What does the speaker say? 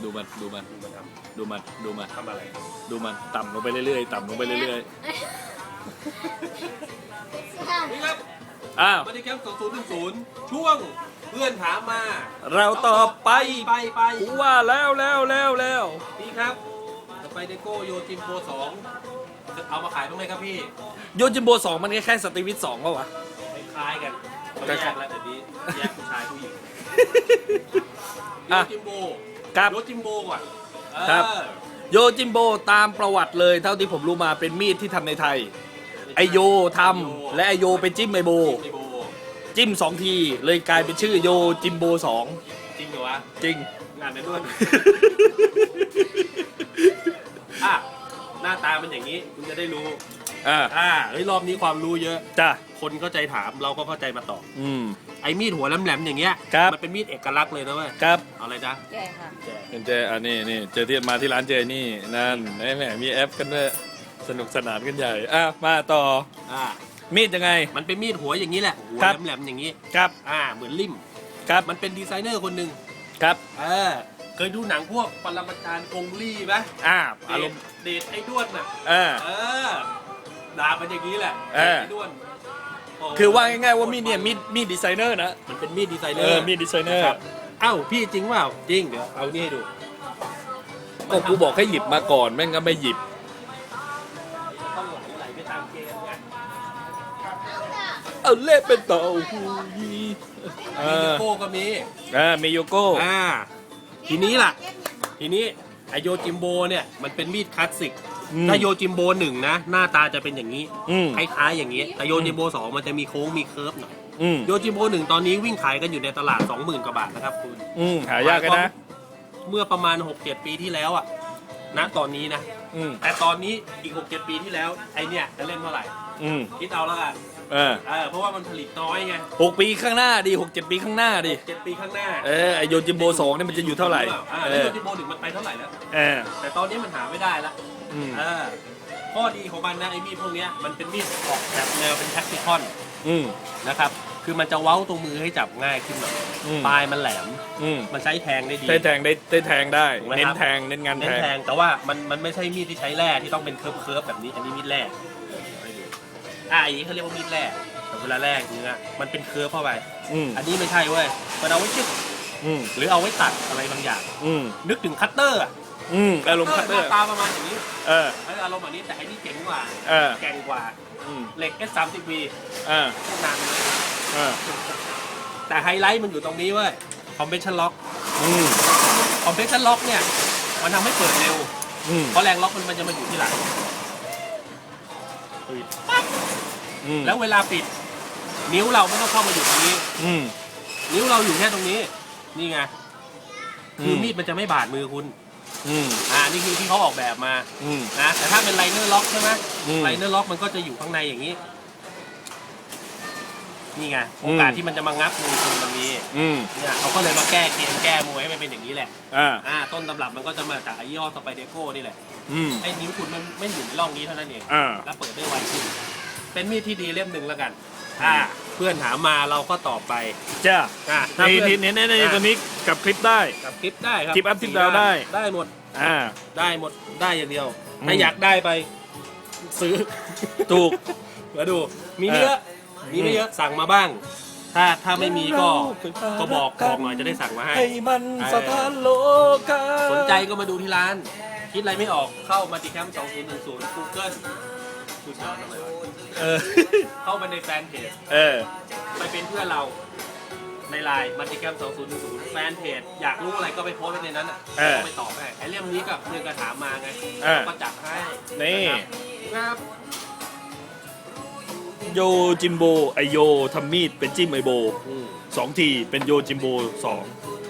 ดูมันดูมันดูมันทดูมันดูมันำอะไรดูมันต่ำลงไปเรื่อยๆต่ำลงไปเรื่อยนี่ครับๆอ้าวมาดิแคมป์2010ช่วงเพื่อนถามมาเราต่อไปไปกูว่าแล้วแล้วนี่ครับต่อไปเดโก้โยจิมโบ2จะเอามาขายบ้างไหมครับพี่โยจิมโบ2มันแค่สตรีวิท2ป่าวะคล้ายๆกันเขาแยกแล้วเดี๋ยวนี้แยกผู้ชายผู้หญิงโยอ่ะจิมโบครับโยจิมโบก่อนครับเออโยจิมโบตามประวัติเลยเท่าที่ผมรู้มาเป็นมีดที่ทำในไทย ไอโยทำและไอโยไปจิ้มไอโบจิมโบจิ้ม2 ทีเลยกลายเป็นชื่อโยจิมโบ2 จริงเหรอวะจริงงานนั้นด้วย อ่ะหน้าตามันอย่างนี้คุณจะได้รู้ เฮ้ยรอบนี้ความรู้เยอะจ้ะคนเข้าใจถามเราก็เข้าใจมาตอบ ไอ้มีดหัวแหลมๆอย่างเงี้ยครับมันเป็นมีดเอกลักษณ์เลยนะเว้ยครับเอาอะไรจ๊ะใช่ค่ะแจกเจอันนี้นี่เจอที่มาที่ร้านเจนี่นั่นแหมมีแอปกันด้วยสนุกสนานกันใหญ่มาต่ออ่ามีดยังไงมันเป็นมีดหัวอย่างนี้แหละหัวครับแหลมๆอย่างนี้ครับเหมือนลิ่มครับมันเป็นดีไซเนอร์คนหนึ่งครับเคยดูหนังพวกปรมาจารย์กงลี่ไหมอารมณ์เดทไอ้ด้วนน่ะเออด่ามันอย่างนี้แหละเออไอ้ด้วนโคือว่าง่ายๆว่ามีดเนี่ยมีดดีไซเนอร์นะมันเป็นมีดดีไซเนอร์มีดดีไซเนอร์ครับเอ้าพี่จริงเปล่าจริงเดี๋ยวเอานี่ให้ดูก็กูบอกให้หยิบมาก่อนแม่งก็ไม่หยิบต้องไหลไปตามเกมไงเอาเล่เป็นเต่าหูยีมีโยโก้ก็มีมีโยโก้ทีนี้ล่ะ ทีนี้ไอโยจิมโบเนี่ยมันเป็นมีดคลาสสิกอืมถ้าโยจิมโบ1นะหน้าตาจะเป็นอย่างนี้อืมคล้ายๆอย่างนี้ แต่โยจิมโบ2มันจะมีโค้งมีเคิร์ฟหน่อยอืมโยจิมโบ1ตอนนี้วิ่งขายกันอยู่ในตลาด 20,000 กว่าบาทนะครับคุณหายากกันนะเมื่อประมาณ 6-7 ปีที่แล้วอะณตอนนี้นะอืมแต่ตอนนี้อีก 6-7 ปีที่แล้วไอเนี่ยจะเล่นเท่าไหร่อืมคิดเอาแล้วกัน เพราะว่ามันผลิตน้อยไง 6 ปีข้างหน้าดี6-7 ปีข้างหน้าดิ 7 ปีข้างหน้าไอโยจิมโบ2เนี่ยมันจะอยู่เท่าไหร่แล้วโยจิมโบ1มันไปเท่าไหร่แล้วเออแต่ตอนนี้มันหาไม่ได้ละอืมข้อดีของมันนะไอ้มีดพวกเนี้ยมันเป็นมีดออกแบบแนวเป็นแท็กติคอนอืมนะครับ คือมันจะเว้าตรงมือให้จับง่ายขึ้นหน่อยอืมปลายมันแหลมอืมมันใช้แทงได้ดีได้แทงได้ถูกไหมเน้คน รับแทงเน้นงานเน้แทนงแทงแต่ว่ามันไม่ใช่มีดที่ใช้แร่ที่ต้องเป็นเคิร์ฟแบบนี้ อันนี้มีดแร่ให้ดูอันนี้เขาเรียกว่ามีดแร่แต่เวลาแร่เนื้อมันเป็นเคิร์ฟเข้าไปอืมอันนี้ไม่ใช่เว้ย มันเอาไว้ชึกอืมหรือเอาไว้ตัดอะไรบางอย่างอืมนึกถึงคัตเตอร์อะอารมณ์คัตเตอหร์น้าตาประมาณอย่างนี้เอออารมณ์แบบนี้แต่อันนี้เจ๋งกว่าเออแกร่งกว่าอืมเหล็ก S30V เออนานเลยเออแต่ไฮไลท์มันอยู่ตรงนี้เว้ย compression lock อืม compression lock เนี่ย มันทำให้เปิดเร็วอืมเพราะแรงล็อกมันจะมาอยู่ที่หลังปิดปั๊บอืมแล้วเวลาปิด นิ้วเราไม่ต้องเข้ามาอยู่ตรงนี้อืมนิ้วเราอยู่แค่ตรงนี้ นี่ไง คืออมมีดมันจะไม่บาดมือคุณอืมนี่คือที่เขาออกแบบมาอืมนะ แต่ถ้าเป็นไลเนอร์ล็อกใช่ไหมอืมไลเนอร์ล็อกมันก็จะอยู่ข้างในอย่างนี้ นี่ไง โอกาสที่มันจะมางับมือคุณมันมีอืมเนี่ยเขาก็เลยมาแก้เกมแก้มวยให้มันเป็นอย่างนี้แหละ ต้นตำรับมันก็จะมาจากไอ้ยี่ห้อสไปเดโก้นี่แหละอืมไอ้นิ้วคุณมันไม่อยู่ในร่องนี้เท่านั้นเอง แล้วเปิดได้ไวขึ้น เป็นมีดที่ดีเล่มหนึ่งแล้วกัน เพื่อนถามมาเราก็ตอบไปจ้าถ้านี่เพื่อนนี่ตัวนี้กับคลิปได้กับคลิปได้ครับคลิปอัพคลิปดาวได้ได้หมดอ่าได้หมด ได้อย่างเดียวอืมถ้าอยากได้ไป ซื้อถูกมาดู มีไม่เยอะ มีไม่เยอะ สั่งมาบ้าง ถ้าไม่มีก็บอกหน่อยจะได้สั่งมาให้ให้มันสถานโลกาสนใจก็มาดูที่ร้าน คิดอะไรไม่ออกเข้ามาติแคมป์2010 Google ดูจอทำไมวะเออเข้ามาในแฟนเพจเออไปเป็นเพื่อนเราในไลน์มัลติแคมป์2010 แฟนเพจ อยากรู้อะไรก็ไปโพสต์ไว้ในนั้นอ่ะก็ไปตอบให้ไอ้เรื่องนี้กับเรื่องกระถามมาไงก็จัดให้นี่ครับโยจิมโบไอโยทำมีดเป็นจิ้มไอโบอืม 2 ทีเป็นโยจิมโบ2